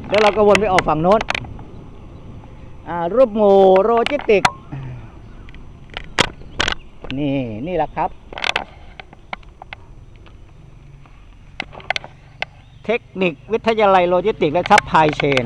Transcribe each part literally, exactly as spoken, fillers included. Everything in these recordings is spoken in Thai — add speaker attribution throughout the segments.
Speaker 1: แล้วเราก็วนไปออกฝั่งโน้นอ่ารูปหมู่โลจิสติกนี่นี่แหละครับเทคนิควิทยาลัยโลจิสติกและซัพพลายเชน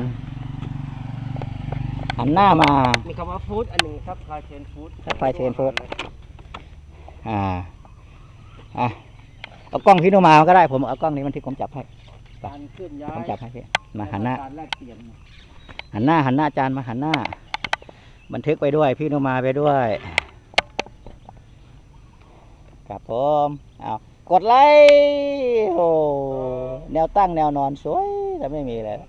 Speaker 1: หันหน้ามา
Speaker 2: มีคำว่าฟู้ดอันหนึ่งซัพพลายเชนฟู้ด
Speaker 1: ซัพพลายเชนฟู้ดอ่าอ่ะเอากล้องพี่โนมาก็ได้ผมเอากล้องนี้มันที่ผมจับให้
Speaker 2: การเคลื่อนย้าย
Speaker 1: ผมจับให้พี่มาหันหน้า
Speaker 2: การแลกเปลี่ยน
Speaker 1: หันหน้าหันหน้าอาจารย์มาหันหน้าบันทึกไปด้วยพี่โนมาไปด้วยครับผมเอากดไลค์โอ้แนวตั้งแนวนอนสวยแต่ไม่มีเลย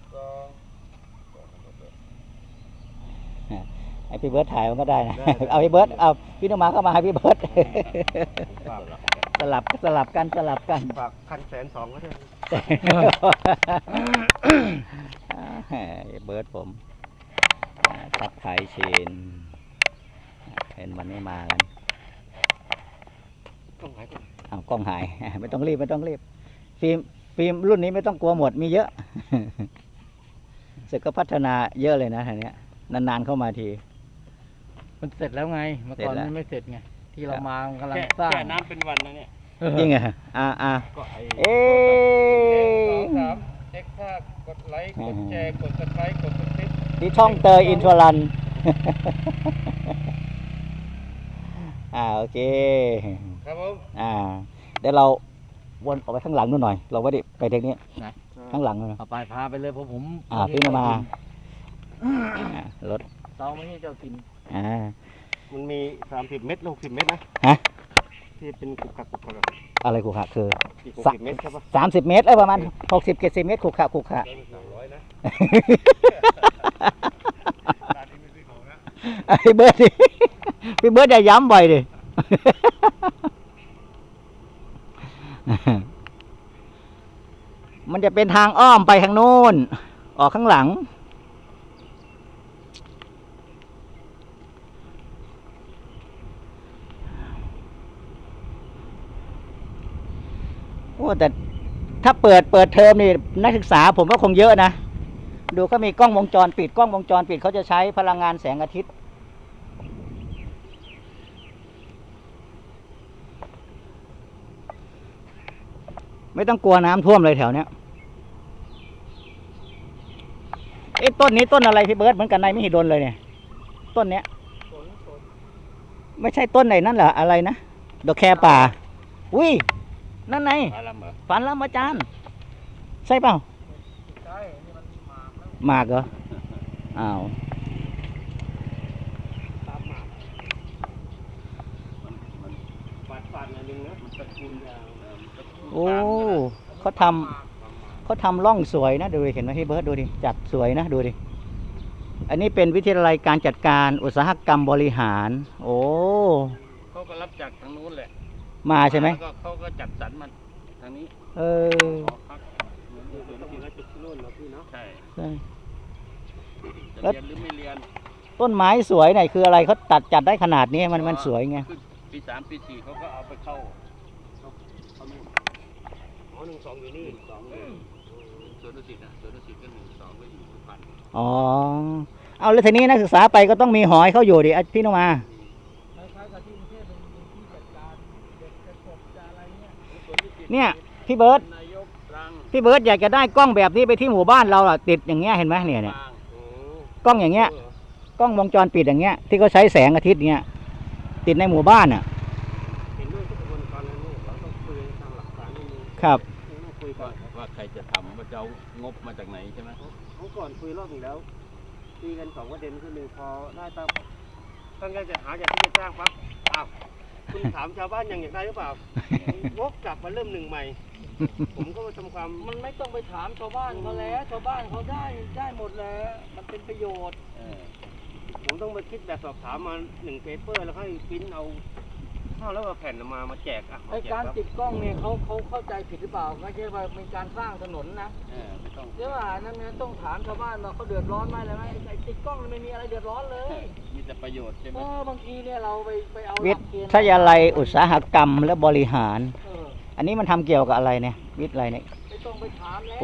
Speaker 1: ไอพี่เบิร์ดถ่ายมันก็ได้นะเอาพี่เบิร์ดเอาพี่โนมาเข้ามาให้พี่เบิร์ดสลับสลับกันสลับกัน
Speaker 2: ฝากพันแสนสองก็ได้
Speaker 1: เบิร์ดผมซับไทยเชนเห็นวันนี้มากัน
Speaker 2: กล้องหาย
Speaker 1: เอากล้องหายไม่ต้องรีบไม่ต้องรีบฟิล์มฟิล์มรุ่นนี้ไม่ต้องกลัวหมดมีเยอะสึกก็พัฒนาเยอะเลยนะทีนี้นานๆเข้ามาที
Speaker 2: มันเสร็จแล้วไงเมื่อก่อนมันไม่เสร็จไงที่เรามากำลังสร้างแค่น้ำเป็นวันนะเนี่ย
Speaker 1: จริงเหรออ่าอ่าเอ๊
Speaker 2: ะสามเช็คภาพกดไลค์กดแชร์กดซับสไครต์กดติดตาม
Speaker 1: ที่ช่องเตยอินทรันอ่าโอเค
Speaker 2: ครับผม
Speaker 1: อ่าเดี๋ยวเราวนออกไปข้างหลังนู่นหน่อยเราไม่ได้ไปทางนี้ข้างหลังเลย
Speaker 2: ไปพาไปเลยเพราะผม
Speaker 1: อ่าพี่มารถ
Speaker 2: เตาไม่ใช่เจ้ากิน
Speaker 1: อ่า
Speaker 2: มันมีสามสิบเมตรหกสิบเมตรนะ
Speaker 1: ฮะ
Speaker 2: ที่เป็นขุกขะขุกขะ
Speaker 1: อะไรขุกขะคือ
Speaker 2: สามสิบเมตรใช่ปะ
Speaker 1: สามสิบเมตรเออประมาณหกสิบเจ็ดสิบเมตรขุกขะขุกขะไอ้เบิร์ดดิพี่เบิร์ดอย่าย้ำบ่อยดิมันจะเป็นทางอ้อมไปทางโน้นออกข้างหลังโอ้แต่ถ้าเปิดเปิดเทอมนี่นักศึกษาผมก็คงเยอะนะดูเขามีกล้องวงจรปิดกล้องวงจรปิดเขาจะใช้พลังงานแสงอาทิตย์ไม่ต้องกลัวน้ำท่วมเลยแถวเนี้ยไอ้ต้นนี้ต้นอะไรพี่เบิร์ดเหมือนกันในไม่หิดลเลยเนี่ยต้นเนี้ยไม่ใช่ต้นไหนนั่นเหรออะไรนะดอกแคป่าอุ้ยนั่นไงฝันแล้วอาจารย์ใช่เปล่าใช่นี่มันหมากเหรออ้าวโอ้เขาทำเขาทำร่องสวยนะดูดิเห็นไหมพี่เบิร์ดดูดิจัดสวยนะดูดิอันนี้เป็นวิทยาลัยการจัดการอุตสาหกรรมบริหารโอ้
Speaker 2: เขาก็รับจากทางนู้นแหละ
Speaker 1: มาใช่ไหม
Speaker 2: เขาก็จัดสรรมาทางนี้
Speaker 1: เออ
Speaker 2: ใช่
Speaker 1: ใช่
Speaker 2: แล้วเรียนหรือไม่เรียน
Speaker 1: ต้นไม้สวยไหนคืออะไรเขาตัดจัดได้ขนาดนี้มันมันสวยไง
Speaker 2: ปีสามปีสี่เขาก็เอาไปเข้าอ๋อหนึ่งสองอยู่นี่สองสวนดุสิตอ่ะสวนดุสิตก็หนึ่งสองก็อยู่สุพรรณ
Speaker 1: อ๋อเอาแล้วทีนี้นักศึกษาไปก็ต้องมีหอยเขาอยู่ดิพี่นมาเนี่ยพี่เบิร์ดพี่เบิร์ดอยากจะได้กล้องแบบนี้ไปที่หมู่บ้านเราอ่ะติดอย่างเงี้ยเห็นไหมเนี่ยเนี่ยกล้องอย่างเงี้ยกล้องวงจรปิดอย่างเงี้ยที่เขาใช้แสงอาทิตย์เงี้ยติดในหมู่บ้านอ่ะครับ
Speaker 2: คุยก่อนว่าใครจะทำว่าจะเอางบมาจากไหนใช่ไหมเมื่อก่อนคุยรอบหนึ่งแล้วตีกันสองประเด็นคือหนึ่งพอได้ตั้งตั้งใจจะหาจากที่จะจ้างปั๊บอ้าวคุณถามชาวบ้านยังอยากได้หรือเปล่าวกกลับมาเริ่มหนึ่งใหม่ผมก็มาทำความมันไม่ต้องไปถามชาวบ้านเขาแล้วชาวบ้านเขาได้ได้หมดแล้วมันเป็นประโยชน์ผมต้องมาคิดแบบสอบถามมาหนึ่งเปเปอร์แล้วให้พิมพ์เอาเข้าแล้วเอาแผ่นมามาแจกอ่ะไอการติดกล้องเนี่ยเขาเขาเข้าใจผิดหรือเปล่าไม่ใช่ว่าเป็นการสร้างถนนนะใช่ป่ะนั่นเนี่ยต้องถามชาวบ้านว่าเขาเดือดร้อนไหมอะไรไหมไอติดกล้องไม่มีอะไรเดือดร้อนเลยมีแต่ประโยชน์ใช่ไหมบางทีเนี่ยเราไปไปเอา
Speaker 1: วิทยาลัยอุตสาหกรรมและบริหารอันนี้มันทำเกี่ยวกับอะไรเนี่ยวิทย์อะไรเนี่ย
Speaker 2: ไม่ต้องไปถามแล้ว